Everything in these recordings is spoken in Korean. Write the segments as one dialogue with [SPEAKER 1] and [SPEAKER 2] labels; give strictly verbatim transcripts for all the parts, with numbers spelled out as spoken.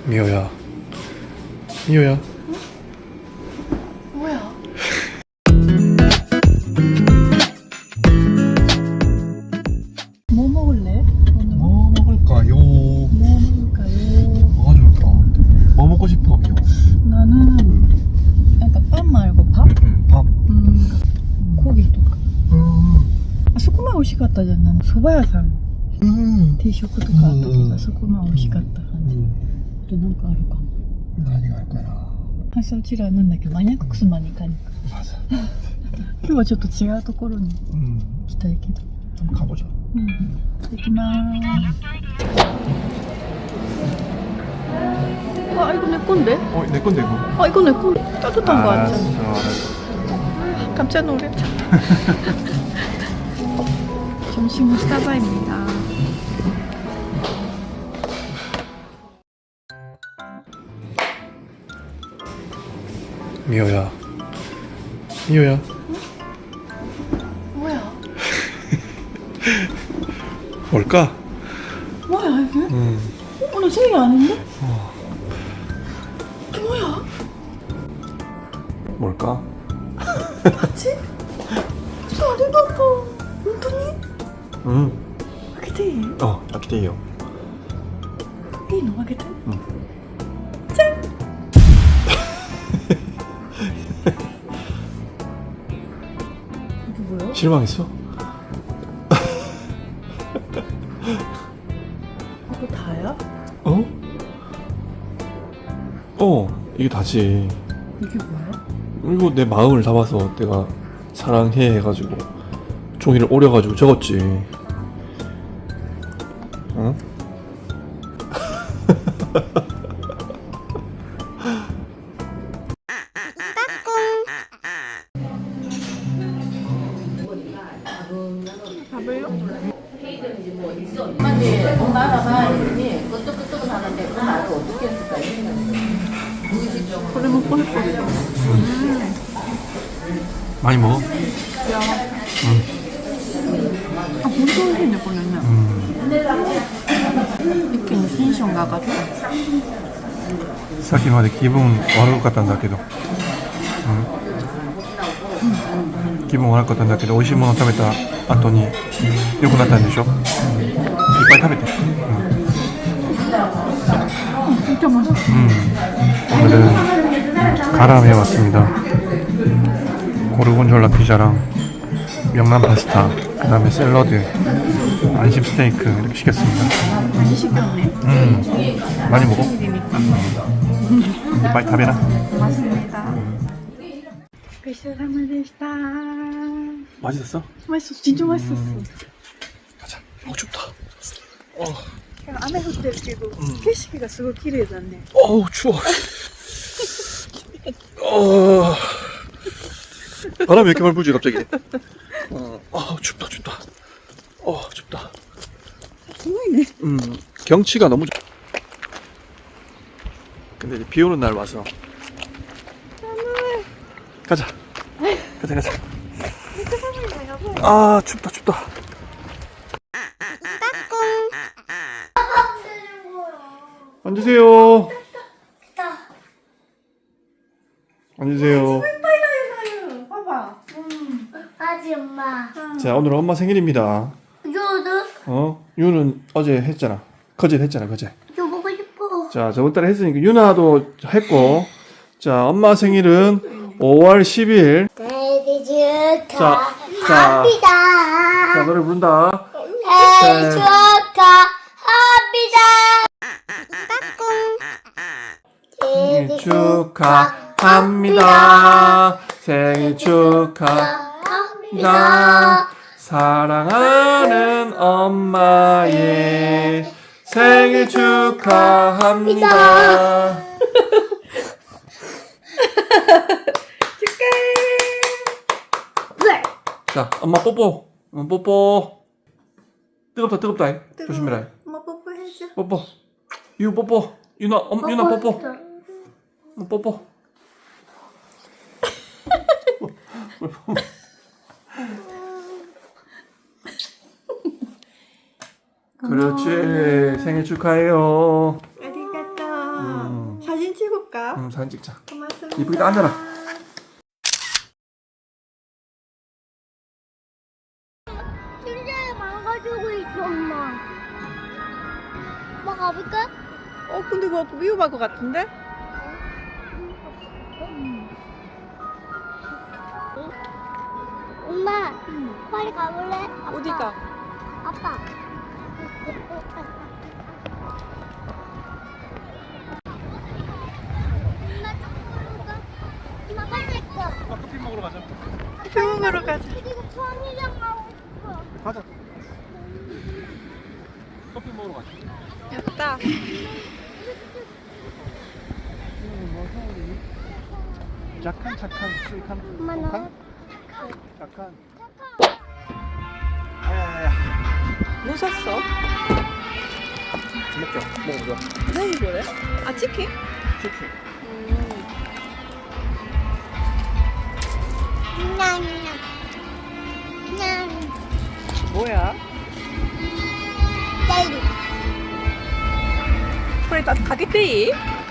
[SPEAKER 1] 미호야, 미호야.
[SPEAKER 2] 응? 뭐야? 뭐 먹을래? 오늘
[SPEAKER 1] 뭐 먹을까요?
[SPEAKER 2] 뭐 먹을까요?
[SPEAKER 1] 뭐가 좋을까? 뭐 먹고 싶어, 미호?
[SPEAKER 2] 나는 약간 밥 말고 밥?
[SPEAKER 1] 응, 밥.
[SPEAKER 2] 음, 고기とか
[SPEAKER 1] 음,
[SPEAKER 2] あそこまで美味しかったじゃん。蕎麦屋さん
[SPEAKER 1] 음,
[SPEAKER 2] 定食とかあったけ
[SPEAKER 1] うん
[SPEAKER 2] ど、あそこまで美味しかった感じ。
[SPEAKER 1] 음.
[SPEAKER 2] あとなんかあるかも。
[SPEAKER 1] 何があるかな?
[SPEAKER 2] 明日うちらなんだっけ、マニアックスマに行かに行く。
[SPEAKER 1] 맞아.
[SPEAKER 2] 今日はちょっと違うところに
[SPEAKER 1] 음,
[SPEAKER 2] 行きたいけど。
[SPEAKER 1] 한번 가보자.
[SPEAKER 2] うん。行きまーす。 아 이거 내 건데?
[SPEAKER 1] 어, 내 건데 이거.
[SPEAKER 2] 아 이거 내 건데? 따뜻한 거
[SPEAKER 1] 알았어,
[SPEAKER 2] 같잖아.
[SPEAKER 1] 알았어.
[SPEAKER 2] 깜짝 놀랐다. 점심은 스타바입니다.
[SPEAKER 1] 미호야, 미호야.
[SPEAKER 2] 응? 뭐야?
[SPEAKER 1] 뭘까?
[SPEAKER 2] 뭐야 이게?
[SPEAKER 1] 음,
[SPEAKER 2] 오늘 생일 아닌데?
[SPEAKER 1] 어,
[SPEAKER 2] 이게 뭐야?
[SPEAKER 1] 뭘까?
[SPEAKER 2] 맞지? 벌써 아리가또. 본当に?
[SPEAKER 1] 음,
[SPEAKER 2] 開けていい?
[SPEAKER 1] 어, 아키테이요.
[SPEAKER 2] いいの開けて?
[SPEAKER 1] 응.
[SPEAKER 2] 짠! 이게 뭐야?
[SPEAKER 1] 실망했어?
[SPEAKER 2] 이거 다야?
[SPEAKER 1] 어? 어, 이게 다지.
[SPEAKER 2] 이게 뭐야?
[SPEAKER 1] 이거 내 마음을 담아서 내가 사랑해 해가지고 종이를 오려가지고 적었지. 어?
[SPEAKER 2] 밥을요?
[SPEAKER 3] 엄마한테 엄마 알아봐 이러니 끄떡끄떡 하는데 그 말을 어떻게 했을까 이랬는데
[SPEAKER 2] 그래 먹고 싶거든요. 음.
[SPEAKER 1] 많이 먹어?
[SPEAKER 2] 야. 아, 진짜 맛있네, 거는.
[SPEAKER 1] 음.
[SPEAKER 2] 이렇게 텐션 가가지고.
[SPEAKER 1] さっきまで気分悪かったんだけど、うん、気分悪かったんだけど美味しいもの食べた後に良くなったんでしょ。いっぱい食べて。
[SPEAKER 2] 음, 진짜 맛있어.
[SPEAKER 1] 음. 오늘은 가람에 왔습니다. 고르곤졸라 피자랑 명란 파스타, 그 다음에 샐러드, 안심 스테이크 이렇게 시켰습니다.
[SPEAKER 2] 많이 시켰네.
[SPEAKER 1] 음. 많이 먹어?
[SPEAKER 2] 생일이니까.
[SPEAKER 1] 이빨 타베라.
[SPEAKER 2] 맛있습니다. 고생하셨습니다.
[SPEAKER 1] 맛있었어?
[SPEAKER 2] 맛있었어. 진짜 맛있었어.
[SPEAKER 1] 음. 가자. 어 춥다. 어.
[SPEAKER 2] 雨降ってるけど、
[SPEAKER 1] うん
[SPEAKER 2] 景色がすごい綺麗だね。
[SPEAKER 1] 어우 추워. 어. 바람이 왜 이렇게 많이 불지 갑자기? 어, 아 춥다 춥다. 어 춥다.
[SPEAKER 2] すごいね。
[SPEAKER 1] 음 경치가 너무 좋. 근데 이제 비 오는 날 와서. 가자. 가자 가자. 아 춥다 춥다. 앉으세요. 앉으세요.
[SPEAKER 2] 봐봐.
[SPEAKER 4] 아지 엄마.
[SPEAKER 1] 자 오늘 엄마 생일입니다.
[SPEAKER 4] 요도
[SPEAKER 1] 어? 유는 어제 했잖아. 거제 했잖아 거제.
[SPEAKER 4] 요 먹고 싶어.
[SPEAKER 1] 자 저번 달에 했으니까 유나도 했고. 자 엄마 생일은 오월 십일.
[SPEAKER 4] 생일
[SPEAKER 1] 자, 자,
[SPEAKER 4] 축하합니다.
[SPEAKER 1] 자 노래 부른다.
[SPEAKER 4] 생일 축하합니다.
[SPEAKER 1] 생일 축하합니다. 생일 축하합니다. 사랑하는 엄마의 생일 축하합니다.
[SPEAKER 4] 왜?
[SPEAKER 1] 자, 엄마 뽀뽀. 응, 뽀뽀. 뜨겁다, 뜨겁다. 조심해라.
[SPEAKER 2] 엄마 뽀뽀해줘.
[SPEAKER 1] 뽀뽀. 유 뽀뽀. 유나, 엄, 유나 뽀뽀. 응, 뽀뽀. 그렇지. 생일 축하해요.
[SPEAKER 2] 아리가또.
[SPEAKER 1] 음.
[SPEAKER 2] 찍자.
[SPEAKER 1] 응, 사진 찍자.
[SPEAKER 2] 고맙습니다.
[SPEAKER 1] 이쁘게 앉아라.
[SPEAKER 4] 진짜 망가지고 있어, 엄마. 엄마 가볼까?
[SPEAKER 2] 어 근데 그거 위험할 것 같은데?
[SPEAKER 4] 엄마, 빨리 가볼래? 아빠.
[SPEAKER 2] 어디가?
[SPEAKER 4] 아빠. 엄마 쪽으로 가. 엄마 빨리 가.
[SPEAKER 1] 커피 먹으러 가자.
[SPEAKER 2] 병원으로 가자.
[SPEAKER 4] 그리고 편의점 가고 싶어.
[SPEAKER 1] 가자. 커피 먹으러 가자.
[SPEAKER 2] 됐다.
[SPEAKER 1] 착한 착한 스윗한
[SPEAKER 4] 엄마 너.
[SPEAKER 1] 착한. 야야야.
[SPEAKER 2] 뭐 샀어?
[SPEAKER 1] 먹자. 먹어보자.
[SPEAKER 2] 뭐 이거래? 아 치킨?
[SPEAKER 1] 치킨.
[SPEAKER 4] 냥냥. 냥.
[SPEAKER 2] 뭐야?
[SPEAKER 4] 젤리.
[SPEAKER 2] 그래 나 가게데이?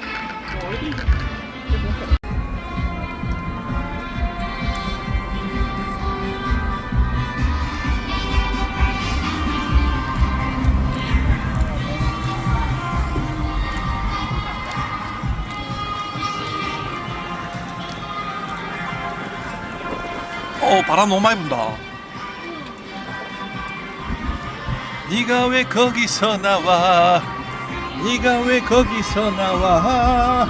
[SPEAKER 1] 어, 바람 너무 많이 분다. 네가 왜 거기서 나와? 네가 왜 거기서 나와?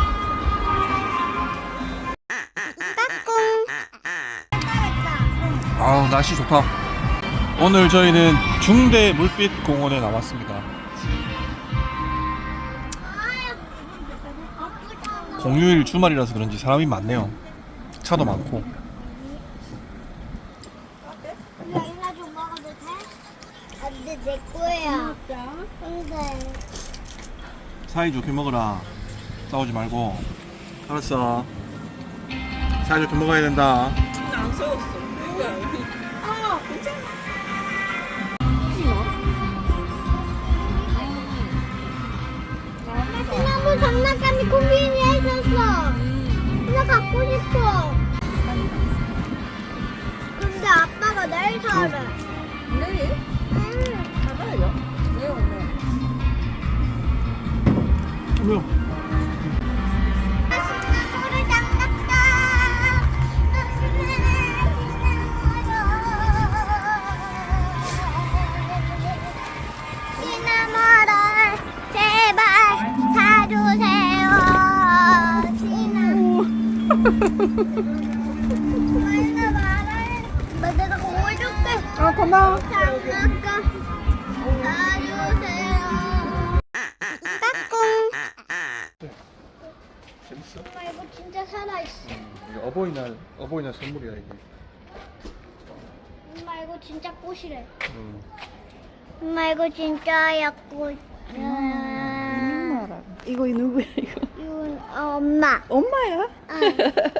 [SPEAKER 1] 아, 날씨 좋다. 오늘 저희는 중대 물빛 공원에 나왔습니다. 공휴일 주말이라서 그런지 사람이 많네요. 차도 많고.
[SPEAKER 4] 이나 좀 먹어도 돼? 안돼 내 거야. 근데
[SPEAKER 1] 사이좋게 먹어라. 싸우지 말고. 알았어. 사이좋게 먹어야 된다.
[SPEAKER 2] 안 싸웠어. 뭐야 여기? 아 괜찮아.
[SPEAKER 4] 시나몬 장난감이 코mbin에 있었어. 나 갖고 싶어. 근데 아빠가 내일 사래.
[SPEAKER 2] 내일?
[SPEAKER 4] 응.
[SPEAKER 2] 가봐요. 왜 오늘?
[SPEAKER 1] 뭐야?
[SPEAKER 4] 시나몬을 장난감. 시나몬을 제발 사주세요. 시나몬. 말나 말해. 나 내가 공을 줄게.
[SPEAKER 2] 아 고마워.
[SPEAKER 4] 장난감 사주세요. 까꿍.
[SPEAKER 1] 재밌어?
[SPEAKER 4] 엄마 이거 진짜 살아있어.
[SPEAKER 1] 이게 어버이날 어버이날 선물이야 이게.
[SPEAKER 4] 엄마 이거 진짜 꽃이래.
[SPEAKER 1] 음.
[SPEAKER 4] 엄마 이거 진짜야 꽃.
[SPEAKER 2] 엄마라. 이거 누구야 이거?
[SPEAKER 4] 이건 어, 엄마.
[SPEAKER 2] 엄마야?
[SPEAKER 4] 응.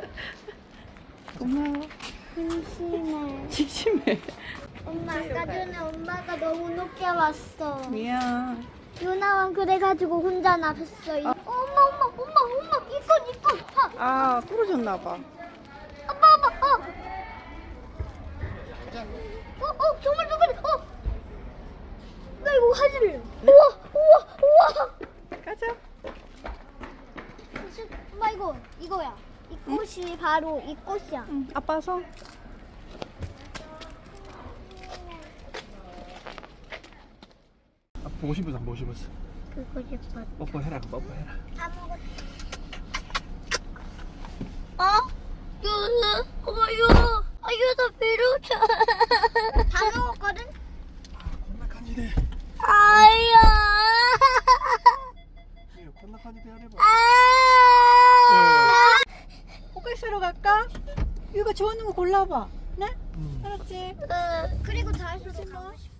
[SPEAKER 2] 고마워.
[SPEAKER 4] 심심해.
[SPEAKER 2] 심심해.
[SPEAKER 4] 엄마 아까 전에 엄마가 너무 높게 왔어.
[SPEAKER 2] 미안.
[SPEAKER 4] 유나만 그래가지고 혼자 나섰어. 이- 어, 엄마 엄마 엄마 엄마 이건 이건. 하.
[SPEAKER 2] 아 부러졌나 봐.
[SPEAKER 4] 아빠 아빠 어. 어, 어, 정말 누구래? 어. 나 이거 화질래. 우와, 우와, 우와.
[SPEAKER 2] 가자.
[SPEAKER 4] 엄마 이거 이거야. 이 꽃이 바로 이 꽃이야.
[SPEAKER 2] 응. 아빠 손.
[SPEAKER 1] 아, 보고 싶어서 안 보고 싶었어.
[SPEAKER 4] 그거 싶어.
[SPEAKER 1] 뽀뽀해라, 뽀뽀해라.
[SPEAKER 4] 다 먹었어. 어? 유나, 엄마 유, 아 유나 배로차. 다 먹었거든?
[SPEAKER 1] 겁나 간지대.
[SPEAKER 4] 아야.
[SPEAKER 1] 이거 겁나 간지대 하래봐.
[SPEAKER 4] 아.
[SPEAKER 2] 꽃갈 사러 갈까? 이거 좋아하는 거 골라봐. 네?
[SPEAKER 1] 음.
[SPEAKER 2] 알았지?
[SPEAKER 4] 그리고 다 했어.